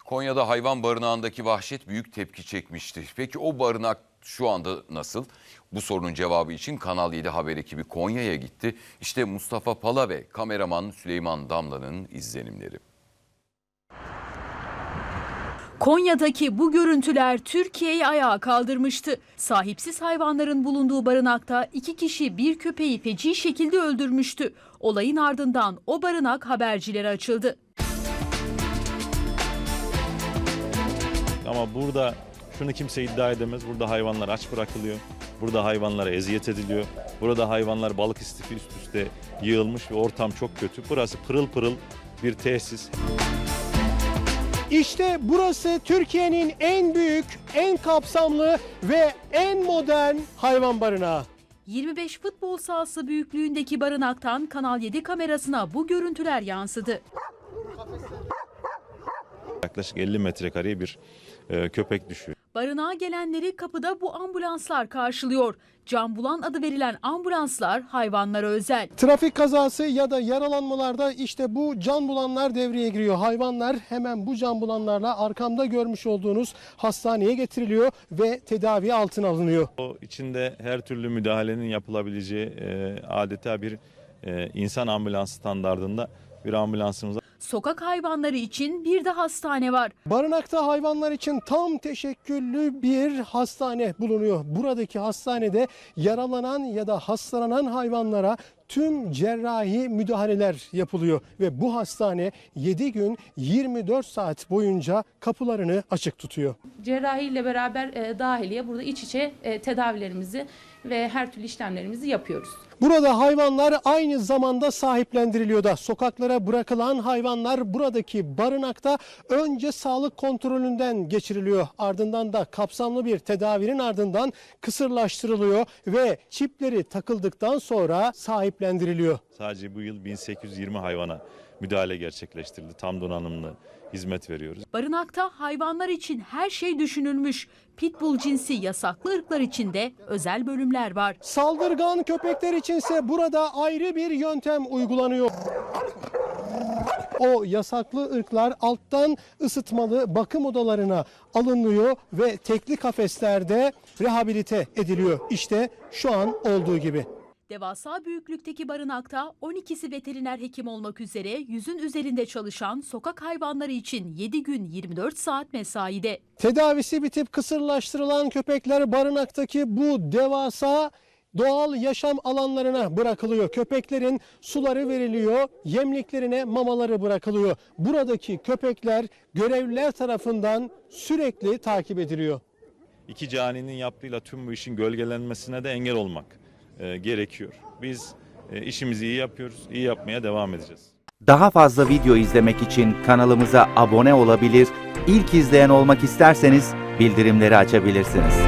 Konya'da hayvan barınağındaki vahşet büyük tepki çekmişti. Peki o barınak şu anda nasıl? Bu sorunun cevabı için Kanal 7 haber ekibi Konya'ya gitti. İşte Mustafa Pala ve kameraman Süleyman Damla'nın izlenimleri. Konya'daki bu görüntüler Türkiye'yi ayağa kaldırmıştı. Sahipsiz hayvanların bulunduğu barınakta 2 kişi bir köpeği feci şekilde öldürmüştü. Olayın ardından o barınak habercilere açıldı. Ama burada şunu kimse iddia edemez. Burada hayvanlar aç bırakılıyor. Burada hayvanlara eziyet ediliyor. Burada hayvanlar balık istifi üst üste yığılmış ve ortam çok kötü. Burası pırıl pırıl bir tesis. İşte burası Türkiye'nin en büyük, en kapsamlı ve en modern hayvan barınağı. 25 futbol sahası büyüklüğündeki barınaktan Kanal 7 kamerasına bu görüntüler yansıdı. Yaklaşık 50 metrekareye bir köpek düşüyor. Barınağa gelenleri kapıda bu ambulanslar karşılıyor. Can Bulan adı verilen ambulanslar hayvanlara özel. Trafik kazası ya da yaralanmalarda işte bu can bulanlar devreye giriyor. Hayvanlar hemen bu can bulanlarla arkamda görmüş olduğunuz hastaneye getiriliyor ve tedavi altına alınıyor. O içinde her türlü müdahalenin yapılabileceği adeta bir insan ambulans standardında bir ambulansımız var. Sokak hayvanları için bir de hastane var. Barınakta hayvanlar için tam teşekküllü bir hastane bulunuyor. Buradaki hastanede yaralanan ya da hastalanan hayvanlara tüm cerrahi müdahaleler yapılıyor ve bu hastane 7 gün 24 saat boyunca kapılarını açık tutuyor. Cerrahi ile beraber dahiliye burada iç içe tedavilerimizi ve her türlü işlemlerimizi yapıyoruz. Burada hayvanlar aynı zamanda sahiplendiriliyor da sokaklara bırakılan hayvanlar buradaki barınakta önce sağlık kontrolünden geçiriliyor. Ardından da kapsamlı bir tedavinin ardından kısırlaştırılıyor ve çipleri takıldıktan sonra sahiplendiriliyor. Sadece bu yıl 1820 hayvana müdahale gerçekleştirildi. Tam donanımlı hizmet veriyoruz. Barınakta hayvanlar için her şey düşünülmüş. Pitbull cinsi yasaklı ırklar için de özel bölümler var. Saldırgan köpekler içinse burada ayrı bir yöntem uygulanıyor. O yasaklı ırklar alttan ısıtmalı bakım odalarına alınıyor ve tekli kafeslerde rehabilite ediliyor. İşte şu an olduğu gibi. Devasa büyüklükteki barınakta 12'si veteriner hekim olmak üzere 100'ün üzerinde çalışan sokak hayvanları için 7 gün 24 saat mesaide. Tedavisi bitip kısırlaştırılan köpekler barınaktaki bu devasa doğal yaşam alanlarına bırakılıyor. Köpeklerin suları veriliyor, yemliklerine mamaları bırakılıyor. Buradaki köpekler görevliler tarafından sürekli takip ediliyor. İki caninin yaptığıyla tüm bu işin gölgelenmesine de engel olmak gerekiyor. Biz işimizi iyi yapıyoruz, iyi yapmaya devam edeceğiz. Daha fazla video izlemek için kanalımıza abone olabilir, ilk izleyen olmak isterseniz bildirimleri açabilirsiniz.